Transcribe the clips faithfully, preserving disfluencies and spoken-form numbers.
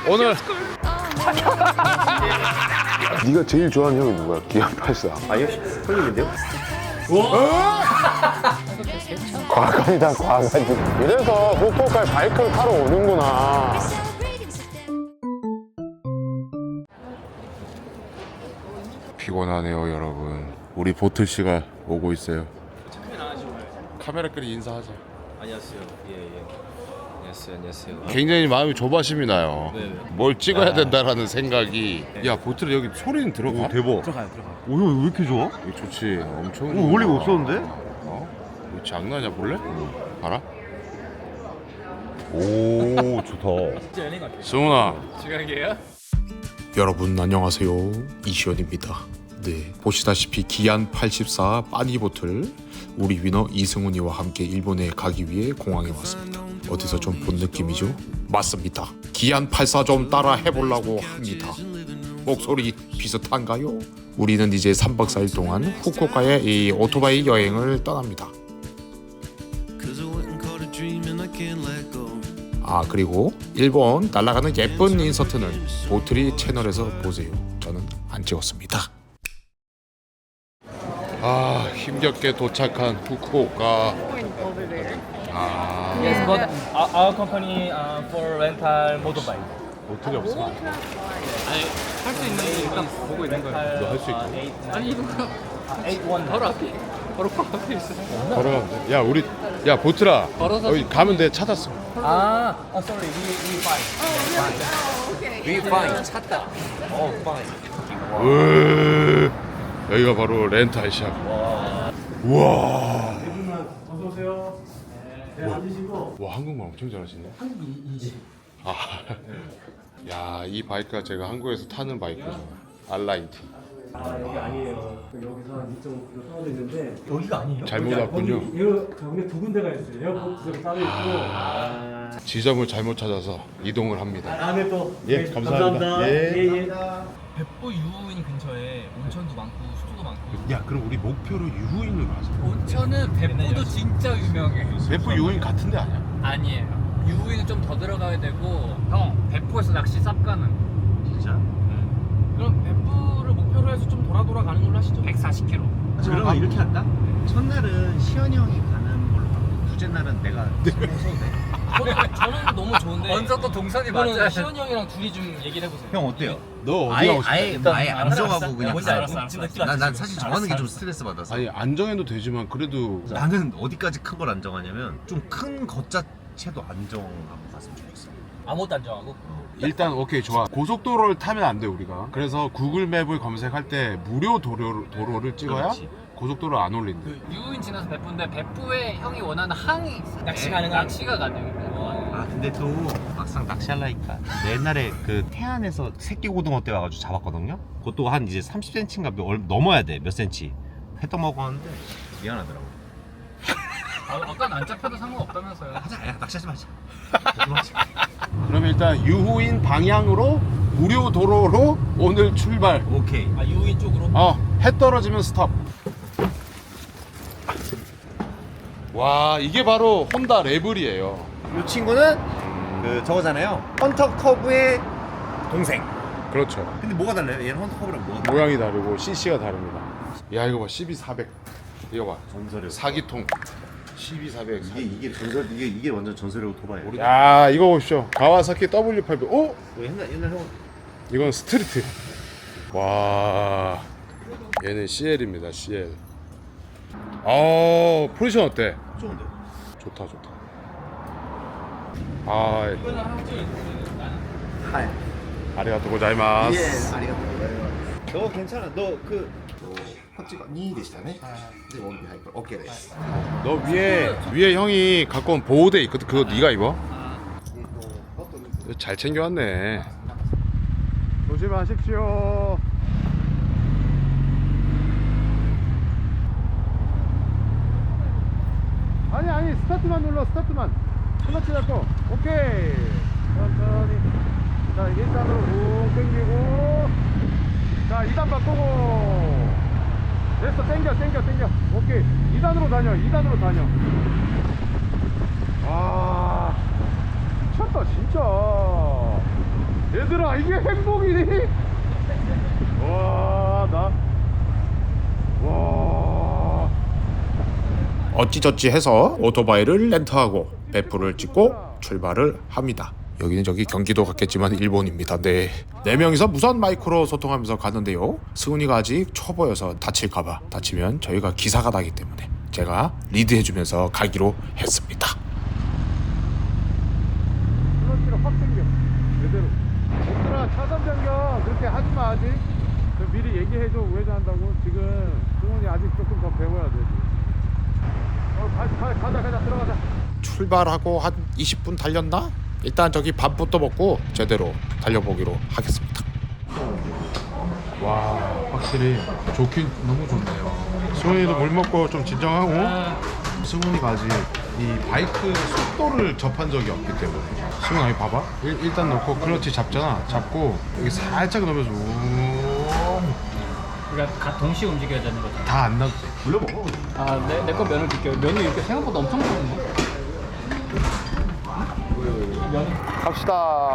오늘 네가 제일 좋아하는 형이 누구야? 기안 팔사. 아니요, 형님인데요? 과간이다, 과간. 이래서 후쿠오카에 바이크를 타러 오는구나. 피곤하네요, 여러분. 우리 보틀 씨가 오고 있어요. 카메라끼리 인사하자. 안녕하세요. 예, 예. 안녕하세요, 안녕하세요. 굉장히 마음이 조바심이 나요. 네. 뭘 찍어야 된다라는 생각이. 야, 보틀 여기 소리는 들어가? 대박. 들어가요, 들어가요. 오, 형 왜 이렇게 좋아? 이거 좋지. 엄청. 오, 원래 없었는데? 어? 이거 장난이야, 볼래? 봐라. 오, 좋다. 진짜 연예인 같아요. 승훈아. 지각이에요? 여러분 안녕하세요, 이시연입니다. 네, 보시다시피 기안 팔십사 빠니보틀 우리 위너 이승훈이와 함께 일본에 가기 위해 공항에 왔습니다. 어디서 좀 본 느낌이죠? 맞습니다. 기안 팔십사 좀 따라 해보려고 합니다. 목소리 비슷한가요? 우리는 이제 삼 박 사 일 동안 후쿠오카에 이 오토바이 여행을 떠납니다. 아, 그리고 일본 날아가는 예쁜 인서트는 보트리 채널에서 보세요. 저는 안 찍었습니다. 아, 힘겹게 도착한 후쿠오카. 아, Yes, but our, our company uh, for rental motorbike. 보트리 없어. 아니, 할 수 있는 게 일단 보고 있는 거예요. 너 할 수 있다. 아니, 이거 eight one 바로 앞에. 바로 앞에 있어. 걸어가면 돼. 야, 우리 야 보트라. 걸어서 여기 가면 돼. 찾았어. 아, oh, sorry, we we fine. We fine. 찾다. 어, fine. 으, 여기가 바로 렌탈샵. 우와. 어서 오세요. 네, 앉으시고. 와, 한국말 엄청 잘하시네. 한국 인지. 아, 야, 이 바이크가 제가 한국에서 타는 바이크죠. 알라인티. 아 여기 아니에요. 여기서 한 이 점 오 킬로미터 떨어져 있는데 여기가 아니에요? 잘못 왔군요. 거기 에어 저기 두 군데가 있어요. 에어포트 저기 따로 있고 지점을 잘못 찾아서 이동을 합니다. 다음에 또 예, 네, 감사합니다. 예. 예, 예. 백보 유후인 근처에 온천도 많고 수도도 많고. 야, 그럼 우리 목표로 유후인을 가자. 온천은 백보도 진짜 유명해. 베프 유후인 같은데 아니야? 아니에요. 유후인은 좀 더 들어가야 되고, 형 백보에서 낚시 쌉 가는. 진짜? 그럼 백보를 목표로 해서 좀 돌아 돌아 가는 걸로 하시죠. 백사십 킬로미터. 그러면 이렇게 할까? 첫날은 시현이 형이 가는 걸로 하고 둘째 날은 내가 해서 돼. 저는, 저는 너무 좋은데. 먼저 또 동선이 맞아야 이거는 돼. 시원이 형이랑 둘이 좀 얘기를 해보세요. 형 어때요? 너 어디 아예 가고 싶어? 아예 일단 아예 안 알았어, 정하고 알았어. 그냥 뭔지 가요. 알았어, 알았어. 지금 난, 난 알았어, 사실 알았어, 정하는 게 좀 알았어. 스트레스 받아서. 아니, 안 정해도 되지만 그래도 나는 어디까지 큰 걸 안 정하냐면 좀 큰 것 자체도 안 정하고 갔으면 좋겠어. 아무것도 안 정하고. 일단 오케이, 좋아. 고속도로를 타면 안 돼, 우리가. 그래서 구글 맵을 검색할 때 무료 도로, 도로를 찍어야 그렇지. 고속도로 안 올린대. 그 유후인 지나서 백보인데 백보에 형이 원하는 항이 있어. 낚시 네, 가능한? 낚시가 가능해. 아 근데 또 막상 낚시하려니까 옛날에 그 태안에서 새끼 고등어 때 와가지고 잡았거든요. 그것도 한 이제 삼십 센티미터인가 몇- 얼- 넘어야 돼, 몇 센치. 회떡 먹었는데 미안하더라고. 아, 아까는 안 잡혀도 상관없다면서요. 하자, 야 낚시하지 마자. 그럼 일단 유후인 방향으로 무료 도로로 오늘 출발. 오케이. 아 유후인 쪽으로. 어, 해 떨어지면 스톱. 와, 이게 바로 혼다 레블이에요. 이 친구는 그 저거잖아요. 헌터 커브의 동생. 그렇죠. 근데 뭐가 달라요? 얘는 헌터 커브랑 뭐가 달라요? 모양이 다르고 씨씨가 다릅니다. 야, 이거 봐, 씨비 사백. 이거 봐, 전설의 사기통. 씨비 사백. 이게 이게 전설 이게 이게 완전 전설의 오토바이. 야, 이거 보십시오. 가와사키 더블유 팔백. 오, 뭐 옛날 옛날 형 이건 스트리트. 와, 얘는 씨엘입니다. 씨엘. 어, 포지션 어때? 좋은데. 좋다, 좋다. 아, 하이. 아리가토 고자이마스. 예, 아리가또. 너 괜찮아. 너그 확지가 이でしたね. 네, 원비 하이퍼. 오케이. 됐어. 너 위에 위에 형이 갖고 온 보호대 있거든. 그거 네가 입어? 잘 챙겨왔네. 조심하십시오. 아니 아니 스타트만 눌러. 스타트만. 클러치 잡고. 오케이. 천천히. 자, 일 단으로 붕 당기고. 자, 이 단 바꾸고. 됐어. 당겨 당겨 당겨. 오케이. 이 단으로 다녀. 이 단으로 다녀. 와, 미쳤다 진짜. 얘들아 이게 행복이니? 와, 나 와. 어찌저찌 해서 오토바이를 렌트하고 배프를 찍고 출발을 합니다. 여기는 저기 경기도 같겠지만 일본입니다. 네. 네 명이서 무선 마이크로 소통하면서 가는데요. 승훈이가 아직 초보여서 다칠까봐, 다치면 저희가 기사가 나기 때문에 제가 리드해주면서 가기로 했습니다. 클러치를 확 당겨 제대로. 얘들아 차선 변경 그렇게 하지마. 아직 그 미리 얘기해줘. 우회전한다고. 지금 승훈이 아직 조금 더 배워야 돼. 어, 가, 가, 가자 가자 들어가자. 출발하고 한 이십 분 달렸나? 일단 저기 밥부터 먹고 제대로 달려보기로 하겠습니다. 와, 확실히 좋긴 너무 좋네요. 승훈이도 물 먹고 좀 진정하고. 승훈이가 아직 이 바이크 속도를 접한 적이 없기 때문에. 승훈아 여기 봐봐. 일, 일단 놓고 클러치 잡잖아. 잡고 여기 살짝 넣으면서 그러니까 가- 동시에 움직여야 되는 거죠. 다 안 나도 돼. 아, 내 내 거 면을 줄게요. 면이 이렇게 생각보다 엄청 좋은데. 갑시다.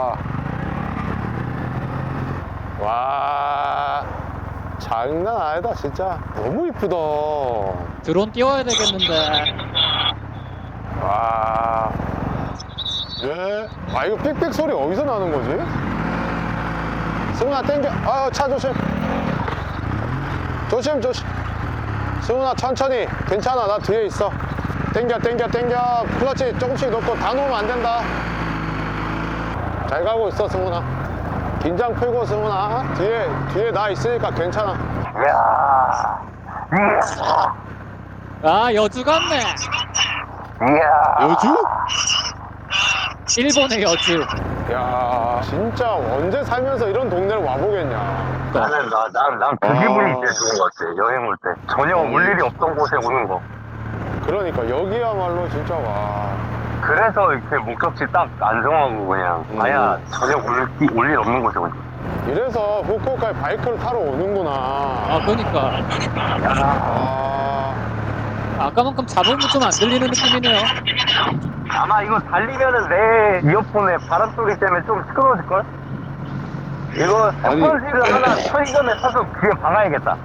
와 장난 아니다 진짜. 너무 이쁘다. 드론 띄워야 되겠는데. 와. 예. 아 이거 삑삑 소리 어디서 나는 거지? 승훈아 땡겨. 아 차 조심. 조심 조심. 승훈아 천천히. 괜찮아 나 뒤에 있어. 땡겨 땡겨 땡겨. 클러치 조금씩 넣고 다 놓으면 안 된다. 잘 가고 있어 승훈아. 긴장 풀고 승훈아. 뒤에 뒤에 나 있으니까 괜찮아. 아, 여주 같네. 여주? 일본의 여주. 야 진짜 언제 살면서 이런 동네를 와보겠냐. 나는 나, 난, 난 그 기분이 제일 좋은 것 같아. 여행 올 때. 전혀 올 일이 없던 곳에 오는 거. 그러니까 여기야말로 진짜 와. 그래서 이렇게 목적지 딱 안정하고 그냥 아야 전혀 올 일 없는 곳에 오지. 이래서 후쿠오카에 바이크를 타러 오는구나. 아, 그러니까. 아, 아까만큼 잡음이 좀 안 들리는 느낌이네요. 아마 이거 달리면은 내 이어폰에 바람 소리 때문에 좀 시끄러워질걸? 이거 스펀지를 하나 편의점에 사서 귀에 박아야겠다.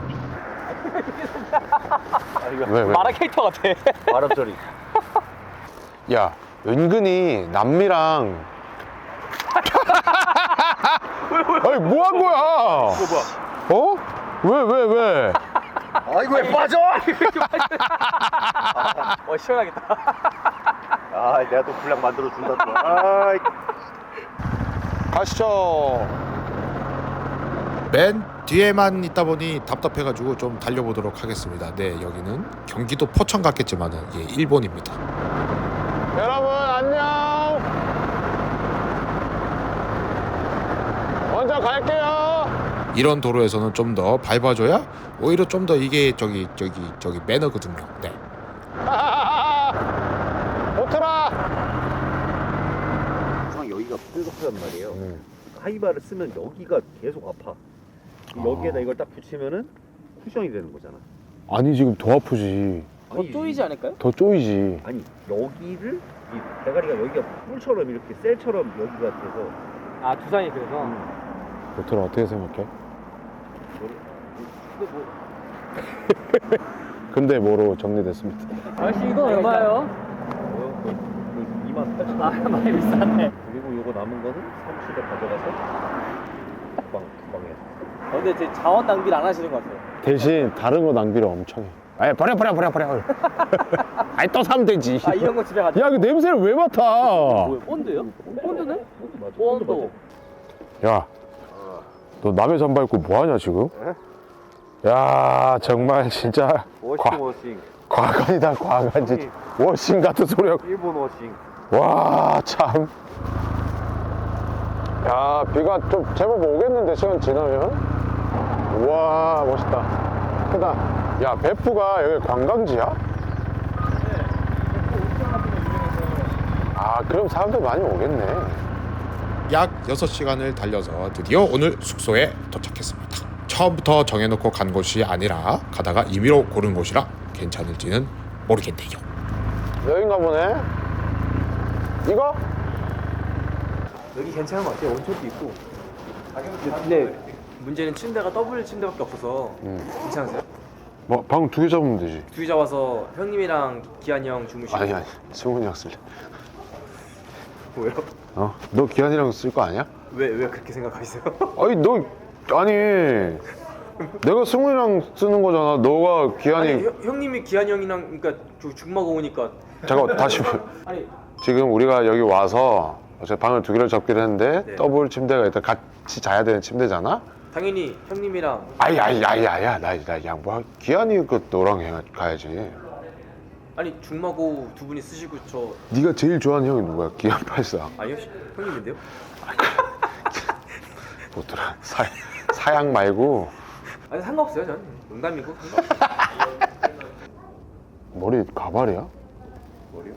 왜, 왜? 마라 캐릭터 같아. 바람 소리. 야, 은근히 남미랑. 아니, 뭐 한 거야? 어? 왜, 왜, 왜? 아이고 왜 빠져? 어, 시원하겠다. 아 내가 또 분량 만들어 준다 또. 아 가시죠. 맨 뒤에만 있다 보니 답답해가지고 좀 달려보도록 하겠습니다. 네, 여기는 경기도 포천 같겠지만은 예, 일본입니다. 여러분, 안녕. 먼저 갈게요. 이런 도로에서는 좀 더 밟아줘야 오히려 좀 더 이게 저기 저기 저기 매너거든요. 네. 오토라. 항상 여기가 뾰족하단 말이에요. 하이바를 쓰면 여기가 계속 아파. 여기에다 이걸 딱 붙이면은 쿠션이 되는 거잖아. 아니, 지금 더 아프지. 더 쪼이지 않을까요? 더 쪼이지. 아니 여기를 이 대가리가 여기가 뿔처럼 이렇게 셀처럼 여기가 돼서 아, 두산이 그래서. 오토라 어떻게 생각해? 근데 뭐 근데 뭐로 정리됐습니다. 아저씨, 이거 얼마예요? 뭐요? 그, 그 이만 팔천 아, 원. 많이 비싸네. 그리고 요거 남은 거는 사무실에 가져가서 방 방에. 어, 근데 제 자원 낭비를 안 하시는 것 같아요. 대신 다른 거 낭비를 엄청 해. 아예 버려 버려 버려 버려. 아이 또 사면 되지. 아, 이런 거 집에 가져. 야, 그 냄새를 왜 맡아? 본드요? 본드네? 맞아. 본드. 야, 너 남의 잠 밟고 뭐 하냐 지금? 야, 정말 진짜 워싱 과, 워싱. 과간이다 과간 진짜. 워싱 같은 소리 하고. 일본 워싱. 와, 참. 야, 비가 좀 제법 오겠는데 시간 지나면. 우와, 멋있다. 크다. 야, 배프가 여기 관광지야? 아, 그럼 사람들 많이 오겠네. 약 여섯 시간을 달려서 드디어 오늘 숙소에 도착했습니다. 처음부터 정해놓고 간 곳이 아니라 가다가 임의로 고른 곳이라 괜찮을지는 모르겠네요. 여긴가 보네. 이거? 여기 괜찮은 것 같아요. 온천도 있고. 근데 문제는 침대가 더블 침대밖에 없어서 괜찮으세요? 뭐 방 두 개 잡으면 되지. 둘이 잡아서 형님이랑 기한이 형 주무시고. 아니 아니 승훈이 형 쓸래. 왜요? 어? 너 기한이랑 쓸 거 아니야? 왜, 왜 그렇게 생각하세요? 아니 너 아니 내가 승훈이랑 쓰는 거잖아. 너가 기한이 아니 형, 형님이 기한이 형이랑 그러니까 저 중마고 오니까 잠깐 다시 아니 지금 우리가 여기 와서 어제 방을 두 개를 잡기로 했는데 네. 더블 침대가 일단 같이 자야 되는 침대잖아. 당연히 형님이랑 아이 아이 아이 아야 나나 양보 기한이 그 너랑 해, 가야지. 아니 중마고 두 분이 쓰시고 저 네가 제일 좋아하는 형이 누구야? 기한 팔사. 아니요 형님인데요? 뭐더라 사 사양 말고 아니 상관없어요 저는 농담이고 머리 가발이야? 머리요?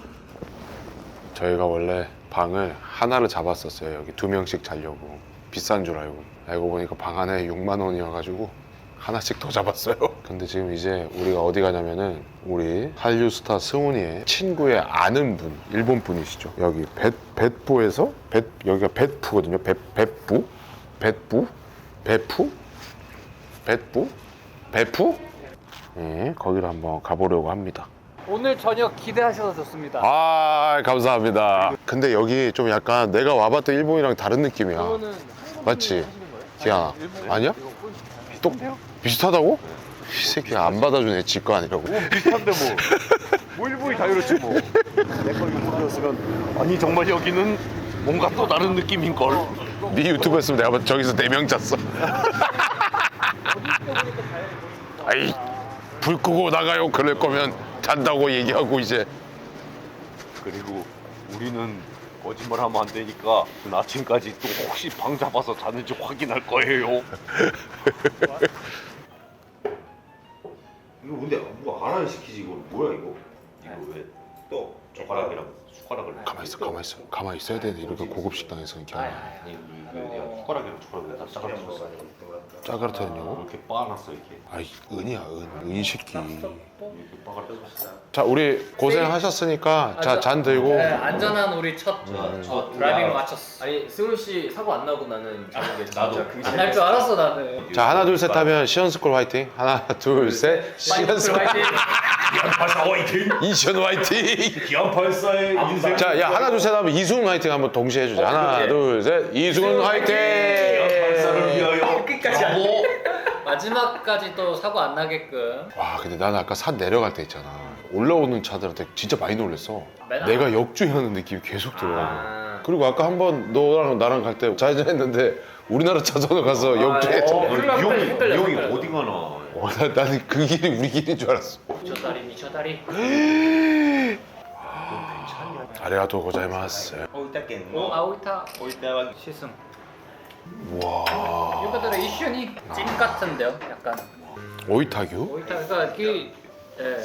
저희가 원래 방을 하나를 잡았었어요. 여기 두 명씩 자려고. 비싼 줄 알고. 알고 보니까 방 안에 육만 원이어가지고 하나씩 더 잡았어요. 근데 지금 이제 우리가 어디 가냐면은 우리 한류스타 승훈이의 친구의 아는 분, 일본 분이시죠. 여기 벳, 벳부에서 벳, 여기가 벳푸거든요. 벳, 벳부? 벳부? 베푸? 벳부? 베푸? 네, 거기를 한번 가보려고 합니다. 오늘 저녁 기대하셔도 좋습니다. 아 감사합니다. 근데 여기 좀 약간 내가 와봤던 일본이랑 다른 느낌이야. 맞지? 기아나 아니야? 또 비슷하다고? 이 새끼 안 받아주네. 지 거 아니라고. 비슷한데 뭐. 뭐 일본이 자유롭지 뭐. 내가 일본이었으면 아니 정말 여기는 뭔가 또 다른 느낌인걸. 네 유튜브 했으면 내가 봤- 저기서 네 명 잤어. 아이 불 끄고 나가요. 그럴 거면 잔다고 얘기하고 이제. 그리고 우리는 거짓말하면 안 되니까 아침까지 또 혹시 방 잡아서 자는지 확인할 거예요. 이거 근데 뭐가 알아야 시키지 이거 뭐야 이거? 이거 왜 또 젓가락이랑 숟가락을 가만 있어, 가만 있어, 가만 있어야 돼. 이렇게 고급 식당에서는 기아. 아니 이거 내가 숟가락이랑 숟가락을 다 짜가지고 짜가르타냐고? 이렇게 빻아놨어 이렇게 아이 은이야 은, 은 새끼. 이렇게 빻아놨어. 자 우리 고생하셨으니까 자 잔 들고. 네, 안전한 우리 첫, 첫 드라이빙을 마쳤어. 아니 승훈 씨 사고 안 나고 나는 자는 게 진짜 나도. 그게 안 할 줄 알았어 나는. 자 하나 둘 셋 하면 시연스쿨 화이팅. 하나 둘 셋 시연스쿨 화이팅! 기안팔사 화이팅! 이시연 화이팅. 기안팔사의 인생. 자, 야 하나 둘 셋 하면 이승훈 화이팅 한번 동시에 해주자. 하나 둘 셋 이승훈 화이팅. 기안팔사를 위하여. 끝까지 안 돼. 마지막까지 또 사고 안 나게끔. 와 근데 나는 아까 산 내려갈 때 있잖아. 올라오는 차들한테 진짜 많이 놀랬어. 맨날- 내가 역주행하는 느낌이 계속 들어. 아. 그리고 아까 한번 너랑 나랑 갈 때 좌회전했는데 우리나라 차선으로 가서 역주행했잖아. 어, 이 헷갈려, 형이 헷갈려, 이 형이 헷갈려. 어디 가나? 어, 나, 나는 그 길이 우리 길인 줄 알았어. 미쳐다리 미쳐다리. 아리가토 고자이마스. 오 아오이타 시승. 와. 이거들의 이슈니 찜 같은데요, 약간. 오이타규? 오이타가 그 예.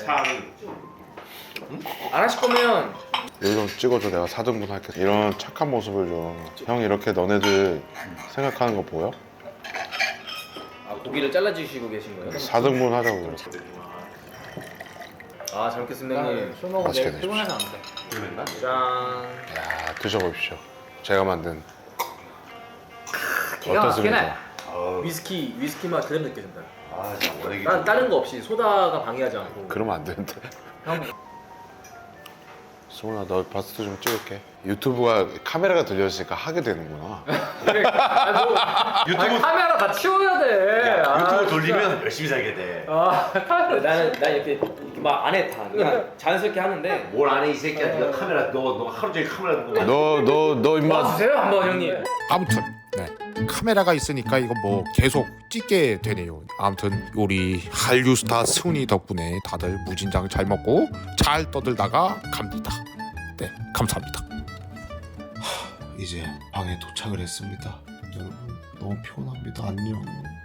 안 하실 거면 여기 좀 찍어줘. 내가 사 등분 할게. 이런 착한 모습을 좀. 형 이렇게 너네들 생각하는 거 보여? 아, 고기를 잘라주시고 계신 거예요? 사 등분 하자고 그래. 아 잘 먹겠습니다 형님. 술 먹으면 맛있게 내일 피곤해서 안 돼. 짠. 야 드셔보십시오. 제가 만든 기가 막히네. 어떻습니까? 위스키 위스키 맛 그대로 느껴진다. 아, 진짜 원액이 난 다른 거 없이 소다가 방해하지 않고. 그러면 안 되는데. 형 승훈아 너 바스트 좀 찍을게. 유튜브가 카메라가 들려있으니까 하게 되는구나. 아니, 뭐, 아니, 카메라 다 치워야 돼. 아, 유튜브 진짜. 돌리면 열심히 살게 돼. 아 카메라. 나는 난 이렇게, 이렇게 막 안에 다 그냥 자연스럽게 하는데. 뭘 안 해 이 새끼야? 네가 카메라 너 너 하루 종일 카메라 보고. 너 너 너 임마. 주세요 한번 형님. 아무튼 네. 카메라가 있으니까 이거 뭐 계속 찍게 되네요. 아무튼 우리 한류스타 승훈이 덕분에 다들 무진장 잘 먹고 잘 떠들다가 갑니다. 네, 감사합니다. 하, 이제 방에 도착을 했습니다. 여러분 너무 피곤합니다. 안녕.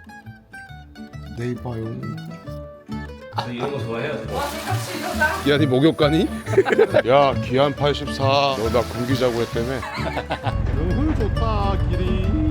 내일 봐요. 이런 거 좋아해요. 야, 네 목욕 가니? 야, 기안 팔십사. 너 나 굶기자고 했다며. 너무 좋다, 길이.